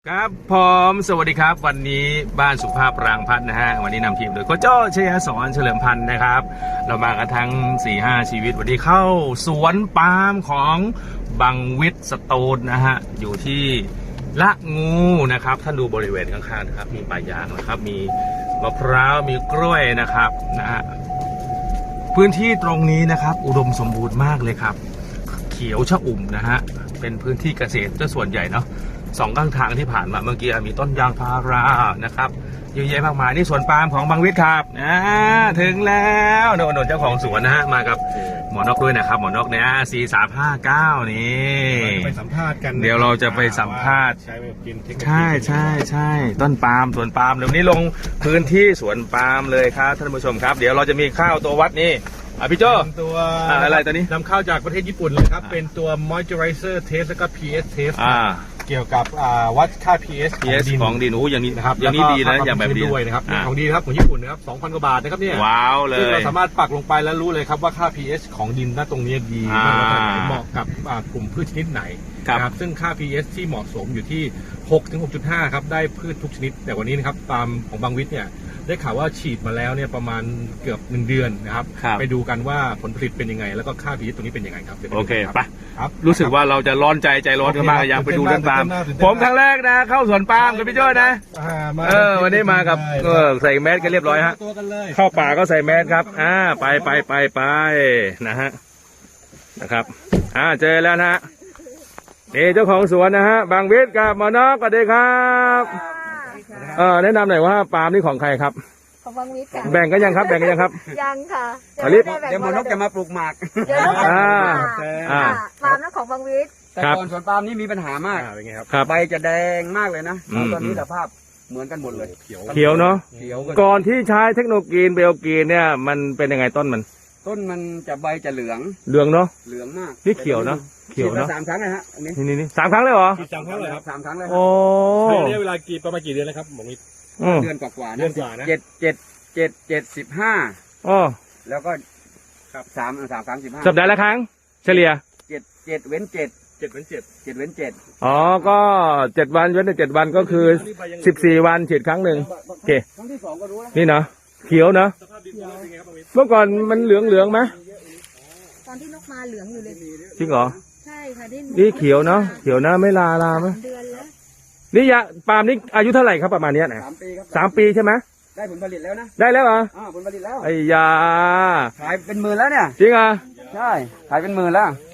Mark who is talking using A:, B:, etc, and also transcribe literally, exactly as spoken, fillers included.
A: ครับผมสวัสดีครับวันนี้บ้านสุภาพรางพัฒน์นะฮะวันนี้นำทีมโดยโค้ชโจ้ชยสอนเฉลิมพันธ์นะครับเรามากันทั้ง สี่ห้า ชีวิตวันนี้เข้าสวนปาล์มของบังวิทย์สโตนนะฮะอยู่ที่ละงูนะครับท่านดูบริเวณข้างๆนะครับมีป่ายางนะครับมีมะพร้าวมีกล้วยนะครับนะฮะพื้นที่ตรงนี้นะครับอุดมสมบูรณ์มากเลยครับเขียวชอุ่มนะฮะเป็นพื้นที่เกษตรซะส่วนใหญ่เนาะสองข้างทางที่ผ่านมาเมื่อกี้มีต้นยางพารานะครับเยอะแยะมากมายนี่สวนปาล์มของบังวิทย์ครับอ่าถึงแล้วโดนเจ้าของสวนนะฮะมากับหมอนกด้วยนะครับหมอนกเนี่ยสี่สามห้าเก้านี่
B: ไปสัมภาษณ์กัน
A: เดี๋ยวเราจะไปสัมภาษณ์
B: ใช้แบบกินเทคนิค
A: ใช่ใช่ใช่ต้นปาล์มสวนปาล์มเดี๋ยวนี้ลงพื้นที่สวนปาล์มเลยครับท่านผู้ชมครับเดี๋ยวเราจะมีข้าวตัววัดนี่อ่ะพี่โจ้
B: ตัว
A: อะไรตัวนี้
B: นำเข้าจากประเทศญี่ปุ่นเลยครับเป็นตัว moisturizer test แล้วก็ pH test
A: อ่า
B: เกี่ยวกับวัดค่า pH
A: ของดินของดินโอ้อย่างนี้นะครับอย่างนี้ดีนะอย่างแบบดี
B: ด้วยนะครับของดีครับของญี่ปุ่นนะครับ สองพัน กว่าบาทนะครับเนี่ย
A: ว้าวเลย
B: ซึ่งเราสามารถปักลงไปแล้วรู้เลยครับว่าค่า pH ของดินณตรงนี้ดีมากเหมาะกับกลุ่มพืชชนิดไหนครับซึ่งค่า pH ที่เหมาะสมอยู่ที่ หกถึงหกจุดห้า ครับได้พืชทุกชนิดแต่วันนี้นะครับปาล์มของบางวิทย์เนี่ยได้ข่าวว่าฉีดมาแล้วเนี่ยประมาณเกือบหนึ่งเดือนนะครับไปดูกันว่าผลผลิตเป็นยังไงแล้วก็ค่า pH ตรงนี้เป็นยังไงครับ
A: โอเคไปรู้สึกว่าเราจะร้อนใจใจร้อนกันมากอยากไปดูเรื่องปาล์มผมครั้งแรกนะเข้าสวนปาล์มกับพี่โจ้นะเออวันนี้มากับเออใส่แมสกันเรียบร้อยฮะเข้าป่าก็ใส่แมสครับอ่าไปไปไปไปนะฮะนะครับอ่าเจอแล้วนะฮะนี่เจ้าของสวนนะฮะบางวิทย์กับหมอนกสวัสดีครับเออแนะนำหน่อยว่าปาล์มนี่ของใครครับ
C: ของบางวิทย์ค่ะ
A: แบ่งกันยังครับแบ่งกันยังครับ
C: ยังค่ะ
A: เ
D: ดี๋ยวหมอนกจะมาปลูกหมาก
C: เดี๋ยวนกจะมาปลูกหมากปาล์มนั้นของบางวิทย์
D: แต่ก่อนสวนปาล์มนี่มีปัญหามาก
B: เป็นไงครับ
D: ใบจะแดงมากเลยนะตอนนี้สภาพเหมือนกันหมดเลย
A: เขียวเนาะก่อนที่ใช้เทคโนโลยีเบลกีนเนี่ยมันเป็นยังไงต้นมัน
D: ต้นมันจะใบจะเหลือง
A: เหลืองเนาะ
D: เหลืองมาก
A: นี่เขียวเนาะเขียวเนาะ
D: สามครั้งนะฮะอันนี้
A: นี่นี่สามครั้งเลยเหรอ
B: สามครั้งเลยครับ
D: สามครั้งเลย
A: โอ้
B: ใช้ระยะเวลากี่ประมาณกี่เดือนแล้วครับหมอมิตร
D: เดือนกว่าๆ
B: เดือนกว่านะ
D: เจ็ดเจ็ดเจ็ดเจ็ดสิบห้า
A: อ๋อ
D: แล้วก็ครับสามสามครั้งสิบห้า
A: สัปดาห์ละครั้งเฉลี่ย
D: เจ็ดเจ็ดเว้นเจ็ด
B: เจ็ดเว้นเจ็ด
D: เจ็ดเว้นเจ็ด
A: อ๋อก็เจ็ดวันเว้นเจ็ดวันก็คือสิบสี่วันฉีดครั้งหนึ่งโอเค
D: ครั้งที่สองก็รู้แล้ว
A: นี่เนาะเขียวเนาะเมื่อก่อนมันเหลืองเหลืองไหม
C: ตอนที่นกมาเหลืองอยู่เลย
A: จริงเหรอ
C: ใช่ค่ะ
A: นี่เขียวเนาะเขียวนะไม่ลาลาไหม
C: เดือนแล้ว
A: นี่ยาปาล์มนี่อายุเท่าไหร่ครับประมาณนี้นะ
D: สามปีครับ
A: สามปีใช่ไหม
D: ได้ผลผลิตแล้วนะ
A: ได้แล้วเหรอ
D: อ่าผลผลิตแล้ว
A: ไอ้ยา
D: ขายเป็นหมื่นแล้วเนี่ย
A: จริงอ่ะ
D: ใช่ขายเป็นหมื่นแล้ว